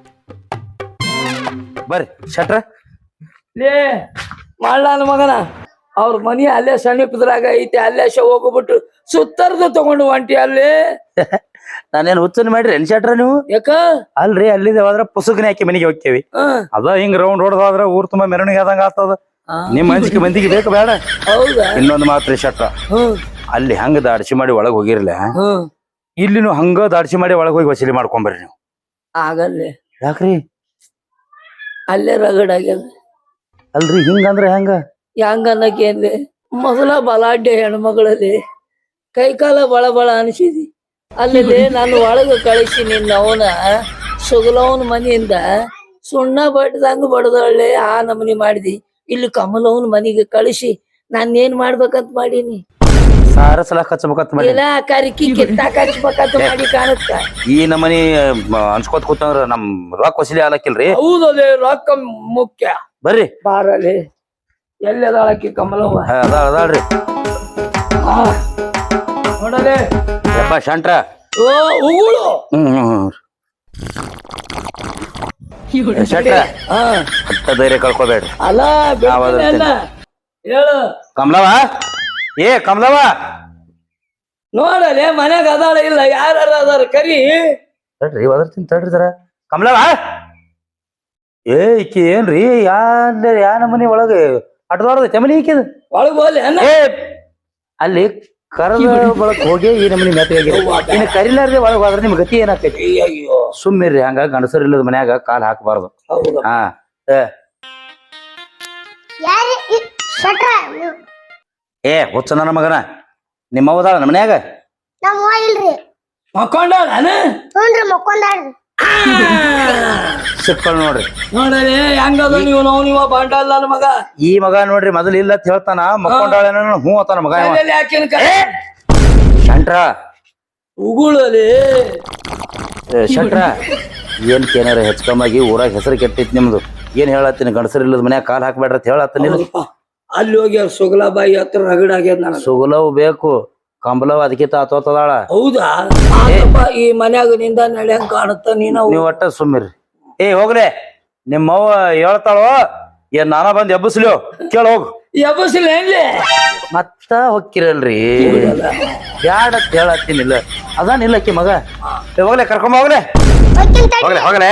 [SPEAKER 2] ಬರ್ರಿ ಶಟ್ರ.
[SPEAKER 1] ಲೇ ಮಾಡ್ಲಾನ ಮಗನ, ಅವ್ರ ಮನಿ ಅಲ್ಲೇ ಸಮೀಪದ್ರಾಗ ಐತಿ. ಅಲ್ಲೇ ಹೋಗ್ಬಿಟ್ಟು ಸುತ್ತರ್ದು ತಗೊಂಡು ಹೊಂಟಿ ಅಲ್ಲಿ.
[SPEAKER 2] ನಾನೇನ್ ಹುಚ್ಚನ್ ಮಾಡ್ರಿ ಎನ್ ಶಟ್ರ ನೀವು?
[SPEAKER 1] ಯಾಕ?
[SPEAKER 2] ಅಲ್ರಿ, ಅಲ್ಲಿದೆ ಹೋದ್ರ ಪುಸುಕನೆ ಹಾಕಿ ಮನೆಗೆ ಹೋಗ್ತೇವಿ. ಅದ ಹಿಂಗ್ ರೌಂಡ್ ಹೊಡೆದಾದ್ರ ಊರ್ ತುಂಬಾ ಮೆರವಣಿಗೆ ಆದಂಗ ಆಗ್ತದ. ನಿಮ್ ಮನ್ಸಿಗೆ ಮಂದಿಗೆ ಬೇಕು ಬೇಡ?
[SPEAKER 1] ಹೌದಾ?
[SPEAKER 2] ಇನ್ನೊಂದು ಮಾತ್ರಿ ಶಟ್ರ, ಅಲ್ಲಿ ಹಂಗ ದಾಡ್ಸಿ ಮಾಡಿ ಒಳಗ್ ಹೋಗಿರ್ಲ, ಇಲ್ಲಿನು ಹಂಗ ದಾಡ್ಸಿ ಮಾಡಿ ಒಳಗ್ ಹೋಗಿ ವಸೂಲಿ ಮಾಡ್ಕೊಂಬರ್ರಿ ನೀವು.
[SPEAKER 1] ಆಗಲ್ಲೇ.
[SPEAKER 2] ಯಾಕ್ರಿ?
[SPEAKER 1] ಅಲ್ಲೇ ರಗಡ್ ಆಗ್ಯದ.
[SPEAKER 2] ಅಲ್ರಿ ಹಿಂಗಂದ್ರ ಹೆಂಗ?
[SPEAKER 1] ಹೆಂಗ ಅನ್ನಕೇನ್ಲಿ, ಮೊದಲ ಬಲಾಢ್ಯ ಹೆಣ್ಮಗಳಲ್ಲಿ ಕೈಕಾಲ ಬಳ ಅನಿಸಿದಿ. ಅಲ್ಲಿ ನಾನು ಒಳಗ ಕಳಿಸಿ ನಿನ್ನ ಅವನ ಸುಗಲವನ ಮನೆಯಿಂದ ಸುಣ್ಣ ಬಡ್ದಂಗ ಬಡದೊಳ್ಳೆ ಆ ನಮನಿ ಮಾಡಿದಿ. ಇಲ್ಲಿ ಕಮಲವನ ಮನೆಗೆ ಕಳಿಸಿ ನಾನೇನ್ ಮಾಡ್ಬೇಕಂತ ಮಾಡೀನಿ.
[SPEAKER 2] ಸಾರಸಲಾಕ ಹಚ್ಚಬೇಕಂತ ಮಾಡಿ
[SPEAKER 1] ಇಲ್ಲ ಕರಿಕಿ ಕಿತ್ತಾಕ ಹಚ್ಬೇಕಂತ ಮಾಡಿ ಕಾಣುತ್ತ.
[SPEAKER 2] ಈ ನಮ್ಮನಿ ಅನ್ಸ್ಕೋತ ಕೂತಂದ್ರ ನಮ್ ರೊಕ್ಕ ವಸೂಲಿ ಆಲಕ್ಕಿಲ್ರಿ.
[SPEAKER 1] ಹೌದಲ್ಲೇ ರೊಕ್ಕ ಮುಖ್ಯ.
[SPEAKER 2] ಬರ್ರಿ
[SPEAKER 1] ಬಾರಲ್ಲಿ ಎಲ್ಲಿ ಅದಾಳಕಿ ಕಮಲವ್ವ?
[SPEAKER 2] ಅದಾಳ್ರಿ.
[SPEAKER 1] ನೋಡಲೆ
[SPEAKER 2] ಯಪ್ಪ ಶಂಟ್ರ.
[SPEAKER 1] ಓ ಉಗುಳು.
[SPEAKER 2] ಶೆಟ್ರ ಹತ್ತ ಧೈರ್ಯ ಕಳ್ಕೊಬೇಡ್ರಿ.
[SPEAKER 1] ಅಲ್ಲ
[SPEAKER 2] ನಾವದನ್ನ
[SPEAKER 1] ಹೇಳು
[SPEAKER 2] ಕಮಲವ. ಏ ಕಮಲವ
[SPEAKER 1] ನೋಡಲೆ ಮನ್ಯಾಗ ಅದಾಳ ಇಲ್ಲ ಯಾರ ಅದಾರ ಕರಿ.
[SPEAKER 2] ತಡ್ರಿ ಒದರ್ತೀನಿ ತಡ್ರಿ ಸರ. ಕಮಲವ ಏ ಈಕಿ ಏನ್ರಿ ಯಾ ನಮ್ಮನಿ ಒಳಗ ಅಡ್ದೋಡದ ತೆಮನಿ ಈಕಿದ
[SPEAKER 1] ಒಳಗ್ ಹೋಗ್ಲಿ ಅನ್ನ.
[SPEAKER 2] ಏ ಅಲ್ಲಿ ಕರದ ಬಳಕ್ ಹೋಗಿ ಈ ನಮ್ಮನಿ ಮೆತ್ತಗಾಗಿ ಇನ್ನು ಕರಿಲಾರ್ದೆ ಒಳಗ್ ಹೋದ್ರ ನಿಮ್ ಗತಿ ಏನಾಕೈತಿ?
[SPEAKER 1] ಅಯ್ಯೋ
[SPEAKER 2] ಸುಮ್ಮಿರ್ರಿ. ಹಂಗ ಗಂಡಸರ್ ಇಲ್ಲದ ಮನ್ಯಾಗ ಕಾಲ್ ಹಾಕಬಾರ್ದು.
[SPEAKER 1] ಹೌದು.
[SPEAKER 2] ಹಾ
[SPEAKER 5] ಯಾರು ಶೆಟ್ರ?
[SPEAKER 2] ಏ ಹುಚ್ಚ ನನ್ನ ಮಗನ ನಿಮ್ಮವದಾಳ ನಮ್ಮ ಮನ್ಯಾಗ?
[SPEAKER 5] ನಮ್ಮ ಅವ್ವ ಇಲ್ರಿ.
[SPEAKER 1] ಮಕ್ಕೊಂಡಾಳ
[SPEAKER 5] ಹ್ಞೂನ್ರಿ ಮಕ್ಕೊಂದಾಳ್ರಿ.
[SPEAKER 2] ಸಿಕ್ಕಳ್ ನೋಡ್ರಿ.
[SPEAKER 1] ನೋಡಲೆ ಹೆಂಗದ ನೀವು ನೀವ ಬಾಂಡಲ್ಲ ನನ್ನ ಮಗ.
[SPEAKER 2] ಈ ಮಗ ನೋಡ್ರಿ ಮೊದಲು ಇಲ್ಲ ಅಂತ ಹೇಳ್ತಾನ, ಮಕ್ಕೊಂಡಾಳ ಹೂ ಅತ್ತಾನ ಮಗ.
[SPEAKER 1] ಯಾಕಿನ
[SPEAKER 2] ಶಂಟ್ರ
[SPEAKER 1] ಉಗುಳಲೆ
[SPEAKER 2] ಶಂಟ್ರ ಏನ್ ಏನಾರ ಹೆಚ್ಕಮ್ಮಾಗಿ ಊರಾಗ ಹೆಸರು ಕೆಟ್ಟೈತಿ ನಿಮ್ದು. ಏನ್ ಹೇಳತ್ತೀನಿ ಗಂಡಸರ್ ಇಲ್ಲದ ಮನ್ಯಾಗ ಕಾಲ್ ಹಾಕ್ಬೇಡ್ರಿ ಅಂತ ಹೇಳತ್ತೀನಿ.
[SPEAKER 1] ಅಲ್ಲಿ ಹೋಗಿ ಸುಗಲಾಬಾಯಿ ಹತ್ರ ರಗಡಾಗ್ಯದ ನನಗ.
[SPEAKER 2] ಸುಗುಲವ್ ಬೇಕು, ಕಂಬಲವ್ ಅದಕ್ಕಿಂತ ಆತೋತದಾಳ.
[SPEAKER 1] ಹೌದಾ? ಈ ಮನ್ಯಾಗ ನಿಂದ ನಡೆಯಂಗ್ ಕಾಣುತ್ತ ನೀನು.
[SPEAKER 2] ನೀವ್ ಒಟ್ಟ ಸುಮ್ಮಿರ್ರಿ. ಏ ಹೋಗ್ರೆ ನಿಮ್ಮವ್ವ ಹೇಳ್ತಾಳೋ ಏನ್ ನಾನ ಬಂದ್ ಎಬ್ಬಸ್ಲಿ ಕೇಳ ಹೋಗ್.
[SPEAKER 1] ಎಬ್ಬಸಿಲ್ಲ ಏನ್ಲಿ
[SPEAKER 2] ಮತ್ತ ಹೊಕ್ಕಿರಲ್ರಿ. ಬ್ಯಾಡ ಅಂತ ಹೇಳತ್ತೀನಿಲ್ಲ ಅದಾನಿಲ್ಲ ಅಕ್ಕಿ ಮಗ. ಹೋಗ್ಲೆ ಕರ್ಕೊಂಬ ಹೋಗ್ಲೆ ಹೋಗ್ಲೆ ಹೋಗ್ಲೆ.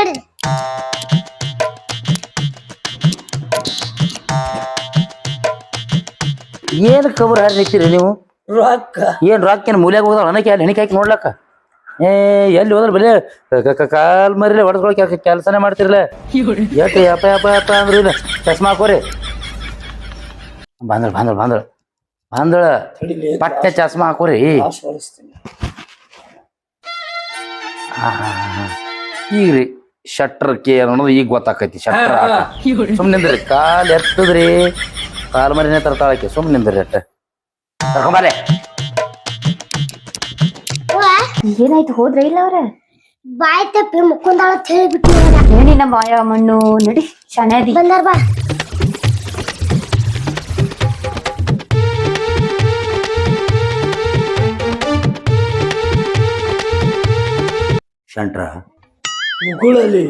[SPEAKER 2] ಏನ್ ಕಬರ್ ಹಾರಿ ನಿಂತೀರಿ ನೀವು?
[SPEAKER 1] ರೊಕ್ಕ
[SPEAKER 2] ಏನ್ ರೊಕ್ಕೇನ್ ಮೂಲ್ಯಾಗ ಹೋದಾಳ ಅನ್ನಕ್ಕೆ ಅಲ್ಲಿ ಹೆಣಿಕೆ ಹಾಕಿ ನೋಡ್ಲಕ್ಕ. ಏ ಎಲ್ಲಿ ಹೋದ್ರ ಬರೀ ಕಾಲ್ ಮರಿಲೆ ಹೊಡೆದ್ಕೊಳಕ್ ಕೆಲಸನೇ ಮಾಡ್ತಿರ್ಲ. ಎಟ್ಟು ಯಪ್ಪ ಯಪ್ಪ ಯಪ್ಪ ಅಂದ್ರ ಇಲ್ಲ ಚಸ್ಮಾ ಹಾಕೋರಿ. ಬಂದಳ ಬಂದಳ ಬಂದಳ ಬಂದಳ ಪಟ್ಟೆ ಚಸ್ಮಾ ಹಾಕೋರಿ. ಈಗ್ರಿ ಶಟ್ರಕ್ಕೆ ಅನ್ನೋದು ಈಗ ಗೊತ್ತಾಕೈತಿ. ಶಟ್ರ ಸುಮ್ನಿಂದ್ರಿ ಕಾಲ್ ಎತ್ತದ್ರಿ ಕಾಲ್ ಮರಿನೇ ತರ್ತಾಳಕ್ಕೆ. ಸುಮ್ನಿಂದ್ರಿ ಅಟ್ಟ ಕರ್ಕೊಂಬಾಲೆ.
[SPEAKER 6] ಏನಾಯ್ತು ಹೋದ್ರ ಇಲ್ಲ ಅವ್ರ?
[SPEAKER 5] ಬಾಯ್ ತಪ್ಪಿ ಮುಕ್ಕೊಂದಾಳ ಅಂತ ಹೇಳಿಬಿಟ್ಟು
[SPEAKER 6] ಏನಿನ ಬಾಯ ಮಣ್ಣು ನಡಿ ಶಣದಿ
[SPEAKER 5] ಬಂದಾರ ಬಾ.
[SPEAKER 2] ಶಂಟ್ರ
[SPEAKER 1] ಉಗುಳಲಿ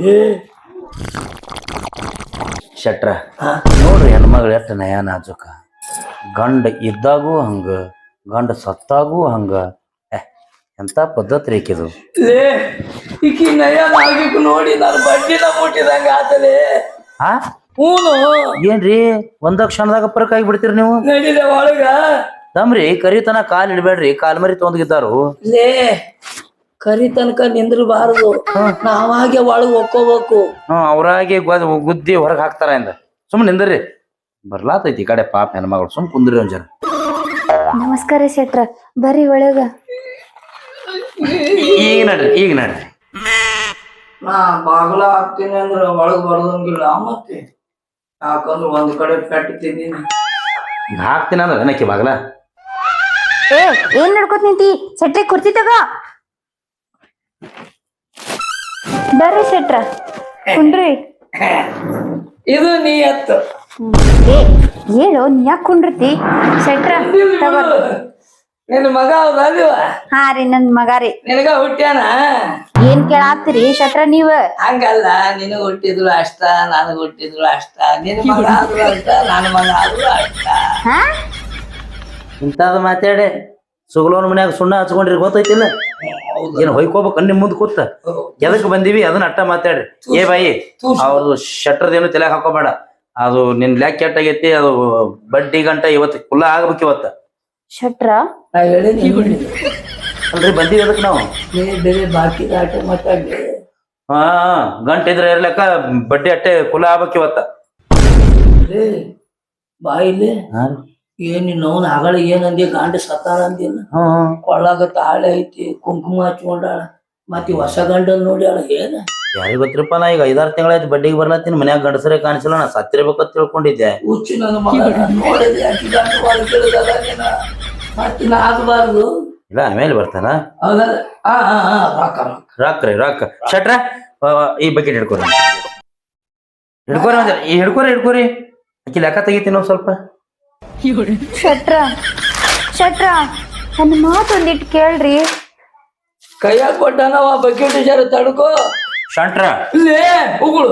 [SPEAKER 2] ಶಟ್ರ ನೋಡ್ರಿ ಹೆಣ್ಮಗಳು ಎಷ್ಟ ನಯ ನಾಜುಕ. ಗಂಡ ಇದ್ದಾಗೂ ಹಂಗ ಗಂಡ ಸತ್ತಾಗೂ ಹಂಗ. ಎಂತ ಪದ್ಧತಿ ರೇಕಿದು.
[SPEAKER 1] ಲೇ ಈಕಿ ನಯ ಆಗಿಕ್ ನೋಡಿ ನಾನು ಬಡ್ಡಿನ ಮುಟ್ಟಿದಂಗ ಆತಲೇ.
[SPEAKER 2] ಹಾ
[SPEAKER 1] ಹೂನು
[SPEAKER 2] ಏನ್ರಿ ಒಂದ ಕ್ಷಣದಾಗ ಪರಕ್ ಆಗಿ ಬಿಡ್ತೀರಿ ನೀವು.
[SPEAKER 1] ನಡಿಲೆ ಒಳಗ
[SPEAKER 2] ತಮ್ರಿ ಕರಿತನ ಕಾಲ್ ಇಡ್ಬೇಡ್ರಿ. ಕಾಲ್ ಮರಿ ತೊಂದ್ಗಿದ್ದಾರು.
[SPEAKER 1] ಲೇ ಕರಿ ತನಕ ನಿಂದ್ರಬಾರದು, ನಾವಾಗೆ ಒಳಗ್ ಒಕ್ಕೋಬೇಕು.
[SPEAKER 2] ಅವ್ರಾಗೆ ಗುದ್ದಿ ಹೊರಗ್ ಹಾಕ್ತಾರ ಇಂದ. ಸುಮ್ ನಿಂದ್ರಿ ಬರ್ಲಾತೈತಿ ಈ ಕಡೆ ಪಾಪ ಹೆಣ್ಮಗಳು. ಸುಮ್ ಕುಂದ್ರಿ ಒಂದ್ ಜನ.
[SPEAKER 6] ನಮಸ್ಕಾರ ಶೆಟ್ರ ಬರ್ರಿ ಒಳಗ.
[SPEAKER 2] ಈಗ ನಡ್ರಿ ಈಗ ನಡ್ರಿ.
[SPEAKER 1] ನಾ ಬಾಗ್ಲ ಹಾಕ್ತೀನಿ ಅಂದ್ರ ಒಳಗ್ ಬರ್ದಂಗಿಲ್ಲ. ಮತ್ತೆ ಯಾಕಂದ್ರ ಒಂದ್ ಕಡೆ ಪೆಟ್ಟು ತಿಂದೀನಿ.
[SPEAKER 2] ಹಾಕ್ತೀನಿ ಅಂದ್ರ ಏನಕ್ಕೆ ಬಾಗ್ಲ?
[SPEAKER 6] ಏ ಏನ್ ನಡ್ಕೋತ ನಿಂತಿ? ಶೆಟ್ರಿ ಕುರ್ಚಿ ತಗೋ. ಬರ್ರಿ ಶೆಟ್ರ ಕುಂಡ್ರಿ.
[SPEAKER 1] ಇದು ನೀ ಎತ್ತು.
[SPEAKER 6] ಏ ಹೇಳು ನೀ ಯಾಕೆ ಕುಂಡ್ರತಿ? ಶೆಟ್ರ ತಗೋ.
[SPEAKER 1] ನಿನ್ ಮಗ ಹೌದಲ್ವ?
[SPEAKER 6] ಹಾ ರೀ ನನ್ ಮಗ ರೀ.
[SPEAKER 1] ನಿನಗ ಹುಟ್ಟ್ಯಾನ?
[SPEAKER 6] ಏನ್ ಕೇಳಾತ್ರಿ ಶೆಟ್ರ ನೀವ?
[SPEAKER 1] ಹಂಗಲ್ಲ, ನಿನಗ ಹುಟ್ಟಿದ್ರು ಅಷ್ಟ, ನನಗ ಹುಟ್ಟಿದ್ರು ಅಷ್ಟ. ನಿನ್ ಮಗ ಆದ್ರು ಅಷ್ಟ, ನನ್ನ ಮಗ ಆದ್ರು ಅಷ್ಟ.
[SPEAKER 6] ಹಾ
[SPEAKER 2] ಇಂತಾದ ಮಾತಾಡೆ ಸುಗಲೋನ್ ಮನ್ಯಾಗ ಸುಣ್ಣ ಹಚ್ಕೊಂಡ್ರಿ ಗೊತ್ತೈತಿಲ್ಲ. ಏನ್ ಹೊಯ್ಕೋಬೇಕು ನಿಮ್ ಮುಂದ್ ಕೂತ ಎದಕ್ ಬಂದಿವಿ ಅದನ್ನ ಅಟ್ಟ ಮಾತಾಡ್ರಿ. ಏ ಬಾಯಿ ಅವ್ರು ಶಟ್ರದೇನು ತಲೆಯಾಗ ಹಾಕೋಬೇಡ. ಅದು ನಿನ್ ಲ್ಯಾಕ್ ಕೆಟ್ಟಾಗೈತಿ. ಅದು ಬಡ್ಡಿ ಗಂಟ ಇವತ್ತು ಕುಲ್ಲ ಆಗ್ಬೇಕು ಇವತ್ತ.
[SPEAKER 6] ಶೆಟ್ರ
[SPEAKER 1] ನಾ ಹೇಳಿನಿ
[SPEAKER 2] ಅಲ್ರಿ ಬಂದಿವಿ ಅದಕ್ ನಾವು.
[SPEAKER 1] ಬೇರೆ ಬಾಕಿ ಆಟ ಮಾತಾಡ್ಲಿ.
[SPEAKER 2] ಹಾ ಗಂಟ ಇದ್ರೆ ಇರ್ಲಕ್ಕ ಬಡ್ಡಿ ಅಟ್ಟೆ ಕುಲ ಆಗ್ಬೇಕು ಇವತ್ತ.
[SPEAKER 1] ಬಾಯಿಲಿ ಏನ್ ನೋನ್ ಆಗಳ ಏನಂದಿ ಗಾಂಡ ಸತ್ತಾಳ ಅಂದಿನ. ಕೊಳ್ಳಾಗ ತಾಳೆ ಐತಿ, ಕುಂಕುಮ ಹಚ್ಕೊಂಡಾಳ, ಮತ್ ಹೊಸ ಗಂಡನ್ ನೋಡ್ಯಾಳ. ಏನ
[SPEAKER 2] ಯಾರಿಗ ಗೊತ್ತಿರಪ್ಪ. ನಾ ಈಗ 5-6 ತಿಂಗಳಾಯ್ತು ಬಡ್ಡಿಗೆ ಬರ್ಲತ್ತೀನಿ. ಮನ್ಯಾಗ ಗಂಡಸರೇ ಕಾಣಿಸಿಲ್ಲ. ನಾ ಸತ್ತಿರ್ಬೇಕಂತ ತಿಳ್ಕೊಂಡಿದ್ದೆ.
[SPEAKER 1] ಹುಚ್ಚು ನನ್ನ ಮಗ ನೋಡಿದ್ರೆ ಮತ್ತೆ ನಾ ಆಗಬಾರ್ದು.
[SPEAKER 2] ಇಲ್ಲ ಆಮೇಲೆ ಬರ್ತಾನ.
[SPEAKER 1] ಹೌದಲ್ಲ? ಹಾ ಹಾ ಹಾ ರೊಕ್ಕ ರೊಕ್ಕ
[SPEAKER 2] ರೊಕ್ಕ ಶೆಟ್ರ ಈ ಬಕೆಟ್ ಹಿಡ್ಕೊರಿ ಹಿಡ್ಕೊರಿ ಆಕಿ ಲೆಕ್ಕ ತೆಗಿತೀನಿ ಸ್ವಲ್ಪ.
[SPEAKER 6] ಶೆಟ್ರ ನನ್ನ ಮಾತು ಒಂದಿಟ್ಟು ಕೇಳ್ರಿ.
[SPEAKER 1] ಕೈಯಾಗ ಕೊಟ್ಟನವ ಬಕೆಟ್ ಜರ ತಡ್ಕೋ.
[SPEAKER 2] ಶೆಟ್ರ
[SPEAKER 1] ಇಲ್ಲೇ ಉಗುಳು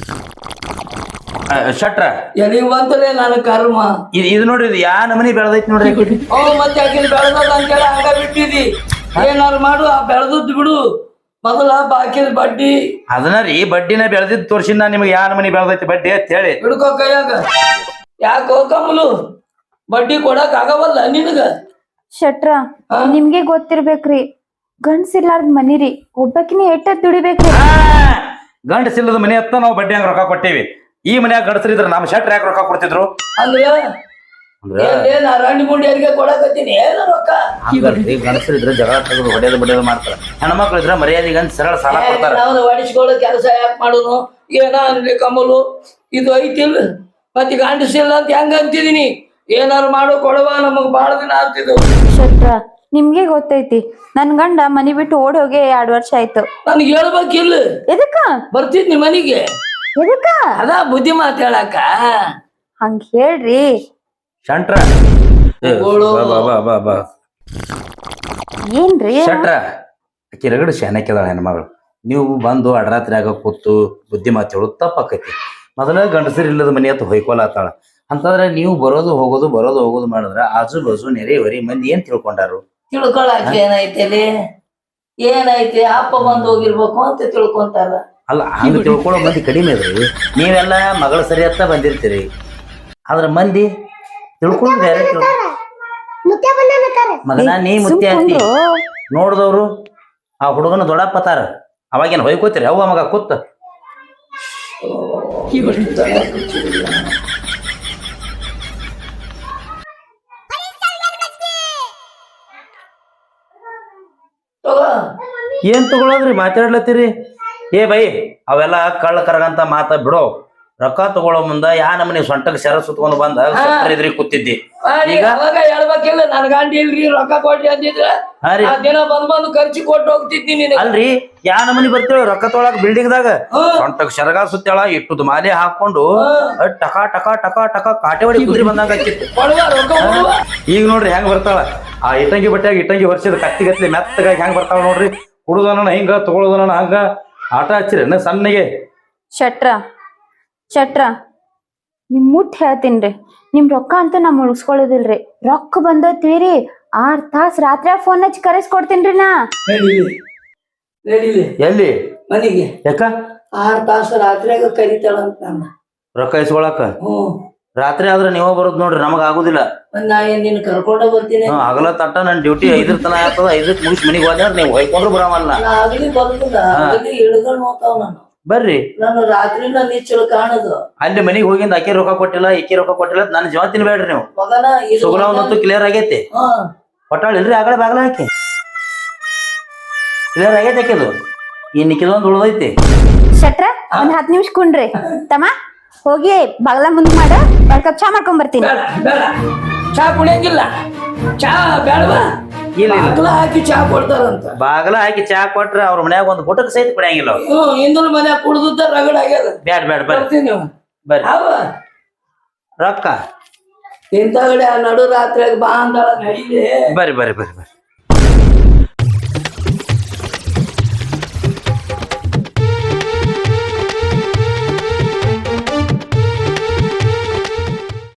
[SPEAKER 2] ಶೆಟ್ರ
[SPEAKER 1] ಎಲ್ಲಿಗೆ ಬಂತಲೇ ನನ್ನ ಕರ್ಮ.
[SPEAKER 2] ಇದು ನೋಡ್ರಿ, ಇದು ಯಾ ನಮನಿ ಬೆಳೆದೈತಿ ನೋಡ್ರಿ.
[SPEAKER 1] ಮತ್ತೆ ಆಕಿನ ಬೆಳೆದ ಅಂತೇಳಿ ಹಂಗ ಬಿಟ್ಟಿದಿ. ಏನಾರು ಮಾಡು, ಆ ಬೆಳೆದದ್ ಬಿಡು. ಮೊದಲ ಬಾಕಿದ ಬಡ್ಡಿ
[SPEAKER 2] ಅದನ್ನ ರೀ ಬಡ್ಡಿನ ಬೆಳೆದಿದ್ದು ತೋರ್ಸಿನ ನಾ ನಿಮ್ಗೆ ಯಾ ನಮನಿ ಬೆಳೆದೈತಿ ಬಡ್ಡಿ ಅಂತ ಹೇಳಿ.
[SPEAKER 1] ಹಿಡ್ಕೋ ಕೈಯಾಗ. ಯಾಕೋ ಕಮಲು ಬಡ್ಡಿ ಕೊಡಕ್ ಆಗವಲ್ಲ ನಿನಗ?
[SPEAKER 6] ಶೆಟ್ರ ನಿಮ್ಗೆ ಗೊತ್ತಿರ್ಬೇಕ್ರಿ, ಗಂಡ್ಸಿರ್ಲಾರ್ದ ಮನಿರಿ, ಒಬ್ಬಕಿನ ಎಟ್ಟ ದುಡಿಬೇಕ್ರಿ.
[SPEAKER 2] ಗಂಡಸಿಲ್ಲದ ಮನೆ ಹತ್ತ ನಾವು ಬಡ್ಡಿ ಹಂಗ ರೊಕ್ಕ ಕೊಟ್ಟೇವಿ. ಈ ಮನ್ಯಾಗ ಗಂಡಸರಿದ್ರ ನಮ್ಮ ಶೆಟ್ರ ಯಾಕೆ ರೊಕ್ಕ ಕೊಡ್ತಿದ್ರು?
[SPEAKER 1] ಅಂದ್ರೆ ಏನ್ ಅರಣ್ಯ ಗುಂಡಿಯರಿಗೆ ಕೊಡಕತ್ತೀನಿ ಏನ ರೊಕ್ಕ?
[SPEAKER 2] ಗಂಡಸರಿದ್ರೆ ಜಗಳ ತೆಗೆದು ಹೊಡೆಯೋದು ಮಾಡ್ತಾರ. ಹೆಣ್ಮಕ್ಳು ಇದ್ರೆ ಮರ್ಯಾದೆಗೆ ಸರಳ ಸಾಲ ಕೊಡ್ತಾರ.
[SPEAKER 1] ನಾವು ಹೊಡಿಸ್ಕೊಳ್ಳೋ ಕೆಲಸ ಯಾಕೆ ಮಾಡೋನು? ಏನ ಅನ್ಲಿ ಕಮಲು, ಇದು ಐತಿಲ್ ಮತ್ತೆ ಗಂಡಸಿಲ್ಲ ಅಂತ ಹೆಂಗ ಅಂತಿದೀನಿ? ಏನಾರು ಮಾಡೋ ಕೊಡವ, ನಮಗ್ ಬಾಳ ದಿನ ಆಗ್ತಿದ್ದು.
[SPEAKER 6] ಶೆಟ್ರ ನಿಮ್ಗೆ ಗೊತ್ತೈತಿ, ನನ್ ಗಂಡ ಮನಿ ಬಿಟ್ಟು ಓಡಿ ಹೋಗಿ 2 ವರ್ಷ ಆಯ್ತು.
[SPEAKER 1] ನನ್ಗೆ ಹೇಳ್ಬೇಕಿಲ್ಲ?
[SPEAKER 6] ಎದಕ್ಕ
[SPEAKER 1] ಬರ್ತಿದ್ನಿ ಮನಿಗೆ.
[SPEAKER 6] ಎದಕ್ಕ
[SPEAKER 1] ಅದ ಬುದ್ಧಿ ಮಾತ್ ಹೇಳಾಕ.
[SPEAKER 6] ಹಂಗ ಹೇಳ್ರಿ
[SPEAKER 2] ಶಂಟ್ರ
[SPEAKER 6] ಏನ್ರಿ?
[SPEAKER 2] ಶಟ್ರ ಆಕಿ ರಗಡು ಶಾನಕ್ಕಿದಾಳ ಹೆಣ್ಮಗಳು. ನೀವು ಬಂದು ಅಡರಾತ್ರಿಯಾಗ ಕೂತು ಬುದ್ಧಿ ಮಾತು ಹೇಳೋದು ತಪ್ಪಾಕೈತಿ. ಮೊದಲ ಗಂಡಸರು ಇಲ್ಲದ ಮನೆ ಹತ್ತು ಹೊಯ್ಕೊಳತ್ತಾಳ ಅಂತಂದ್ರೆ ನೀವು ಬರೋದು ಹೋಗೋದು ಮಾಡಿದ್ರ ಆಜು ಬಾಜು ನೆರೆ ಹೊರಿ ಮಂದಿ ಏನ್ ತಿಳ್ಕೊಂಡಾರು?
[SPEAKER 1] ತಿಳ್ಕೊಳಕ ಏನೈತಿ? ಏನೈತಿ? ಅಪ್ಪ ಬಂದು ಹೋಗಿರ್ಬೇಕು ಅಂತ ತಿಳ್ಕೊಂತಾರ.
[SPEAKER 2] ಅಲ್ಲ, ಹಂಗ ತಿಳ್ಕೊಳ್ಳೋ ಮಂದಿ ಕಡಿಮೆ ಅದ್ರಿ. ನೀವೆಲ್ಲ ಮಗಳು ಸರಿ ಹತ್ತ ಬಂದಿರ್ತೀರಿ, ಆದ್ರ ಮಂದಿ ತಿಳ್ಕೊಳ್ಳೋದು ಬೇರೆ. ಮಗನ ನೀ ಮುತ್ತಿ ಆಯ್ತಿ ನೋಡ್ದವ್ರು ಆ ಹುಡುಗನ ದೊಡ್ಡಪ್ಪತಾರ, ಅವಾಗೇನ್ ಹೊಯ್ಕೋತೀರಿ? ಅವ್ವ ಮಗ ಕೂತ್ ಏನ್ ತಗೊಳೋದ್ರಿ? ಮಾತಾಡ್ಲತ್ತೀರಿ? ಏ ಬೈ, ಅವೆಲ್ಲ ಕಳ್ಳ ಕರಗಂತ ಮಾತ ಬಿಡೋ. ರೊಕ್ಕ ತಗೊಳ್ಳೋ ಮುಂದ ಯಾ ನಮ್ಮನಿ ಸೊಂಟಕ್ ಸೆರ ಸುತ್ಕೊಂಡು ಬಂದ ಇದ್ರಿ ಕೂತಿದ್ದಿ. ಈಗ
[SPEAKER 1] ಅವಾಗ ಹೇಳ್ಬೇಕಿಲ್ಲ, ನನ್ ಗಂಡ ಇಲ್ರಿ ರೊಕ್ಕ ಕೊಡ್ರಿ ಅಂದಿದ್ರ ಆ ದಿನ ಬಂದು ಖರ್ಚು ಕೊಟ್ಟು ಹೋಗ್ತಿದ್ನಿ.
[SPEAKER 2] ಅಲ್ರಿ, ಯಾ ನಮನಿ ಬರ್ತೇವ ರೊಕ್ಕ ತೊಗೊಳಕ್ ಬಿಲ್ಡಿಂಗ್ ದಾಗ ಸೊಂಟಕ್ ಸೆರಗ ಸುತ್ತೇಳ ಇಟ್ಟುದ್ ಮಾಲೆ ಹಾಕೊಂಡು ಟಕ ಟಕ ಟಕ ಟಕ ಕಾಟೆ ಹೊಡಿ ಕುದ್ರಿ ಬಂದಂಗ ಆಕಿತ್ತು. ಈಗ ನೋಡ್ರಿ ಹೆಂಗ್ ಬರ್ತಾಳ ಆ ಇಟ್ಟಂಗಿ ಬಟ್ಟೆಯಾಗ ಇಟ್ಟಂಗಿ ವರ್ಷದ ಕತ್ತಿಗತ್ಲಿ ಮೆತ್ತಗಾಗಿ ಹೆಂಗ್ ಬರ್ತಾಳ ನೋಡ್ರಿ. ಕುಡುದನ ಹಿಂಗ ತಗೊಳುದನ ಹಂಗ ಆಟ ಹಚ್ಚಿರಿ ಸಣ್ಣಗೆ.
[SPEAKER 6] ಶೆಟ್ರ ನಿಮ್ ಮುಟ್ ಹೇಳ್ತೀನ್ರಿ, ನಿಮ್ ರೊಕ್ಕ ಅಂತ ನಾ ಮುಳುಗ್ಸ್ಕೊಳ್ಳೋದಿಲ್ರಿ. ರೊಕ್ಕ ಬಂದತ್ತೀರಿ 6 ತಾಸ್ ರಾತ್ರಿ ಫೋನ್ ಹಚ್ಚಿ ಕರೆಸ್ಕೊಡ್ತೀನ್ರಿ ನಾ.
[SPEAKER 2] ಎಲ್ಲಿ
[SPEAKER 1] ಮನೆಗೆ
[SPEAKER 2] ಯಾಕ
[SPEAKER 1] 6 ತಾಸು ರಾತ್ರಿಯಾಗ ಕರಿತಾಳಂತ ನನ್ನ
[SPEAKER 2] ರೊಕ್ಕ ಇಸ್ಕೊಳಕ? ರಾತ್ರಿ ಆದ್ರೆ ನೀವ ಬರೋದ್ ನೋಡ್ರಿ, ನಮಗ ಆಗುದಿಲ್ಲ.
[SPEAKER 1] ನಾ ಏನ್ ನಿನ್ ಕರ್ಕೊಂಡ ಬರ್ತೀನಿ?
[SPEAKER 2] ಆಗಲ ತಟ್ಟ ನನ್ ಡ್ಯೂಟಿ 5 ತನ ಆಗ್ತದ. 5ಕ್ಕೆ ಮುಗಿಸ್ ಮನಿಗ್ ಹೋದ್ರ ನೀವ್ ಹೊಯ್ಕೊಂಡ್ರು ಬರಾಮಲ್ಲ.
[SPEAKER 1] ನಾ ಆಗ್ಲಿ ಬರುದಿಲ್ಲ, ಆಗ್ಲಿ ಹಿಡ್ಕೊಂಡ್ ಹೋಗ್ತಾವ ನಾನು.
[SPEAKER 2] ಬರ್ರಿ,
[SPEAKER 1] ನಾನು ರಾತ್ರಿನ ನಿಚ್ಚಲು ಕಾಣದು.
[SPEAKER 2] ಅಲ್ಲಿ ಮನಿಗ್ ಹೋಗಿಂದ ಆಕಿ ರೊಕ್ಕ ಕೊಟ್ಟಿಲ್ಲ ಈಕಿ ರೊಕ್ಕ ಕೊಟ್ಟಿಲ್ಲ ನನ್ನ ಜೀವ ತಿನ್ಬೇಡ್ರಿ ನೀವು.
[SPEAKER 1] ಮಗನ
[SPEAKER 2] ಸುಗುಣ ಒಂದಂತೂ ಕ್ಲಿಯರ್ ಆಗೈತಿ. ಕೊಟ್ಟಾಳ ಇಲ್ರಿ ಆಗಲೇ ಬಾಗ್ಲ ಹಾಕಿ ಕ್ಲಿಯರ್ ಆಗೈತಿ ಆಕಿದು. ಇನ್ನಿಕ್ಕಿದೊಂದು ಉಳ್ದೈತಿ.
[SPEAKER 6] ಶೆಟ್ರ ಒಂದ್ 10 ನಿಮಿಷ ಕುಂಡ್ರಿ ತಮ್ಮ, ಹೋಗಿ ಬಾಗ್ಲ ಮುಂದ್ ಮಾಡ 2 ಕಪ್ ಚಾ ಮಾಡ್ಕೊಂಡ್ ಬರ್ತೀನಿ.
[SPEAKER 1] ಬೇಡ, ಚಾ ಕುಡಿಯಂಗಿಲ್ಲ. ಚಾ ಬೇಡವಾ? ಬಾಗ್ಲ ಹಾಕಿ ಚಾ ಕೊಡ್ತಾರಂತ.
[SPEAKER 2] ಬಾಗ್ಲ ಹಾಕಿ ಚಾ ಕೊಟ್ರ ಅವ್ರ ಮನ್ಯಾಗ ಒಂದು ಗುಟಕ್ ಸಹಿತ ಕುಡಿಯಂಗಿಲ್ಲ.
[SPEAKER 1] ಹಿಂದೂ ಮನ್ಯಾಗ ಕುಡ್ದ ರಗಡ್ ಆಗ್ಯದ.
[SPEAKER 2] ಬ್ಯಾಡ
[SPEAKER 1] ಬರ್ತೀನಿ
[SPEAKER 2] ಬರ್ರಿ.
[SPEAKER 1] ಅವ
[SPEAKER 2] ರೊಕ್ಕ
[SPEAKER 1] ಇಂಥಗಡೆ ನಡು ರಾತ್ರಿಯಾಗ ಬಾ ಅಂದಾಳ ನಡೀಲಿ.
[SPEAKER 2] ಬರ್ರಿ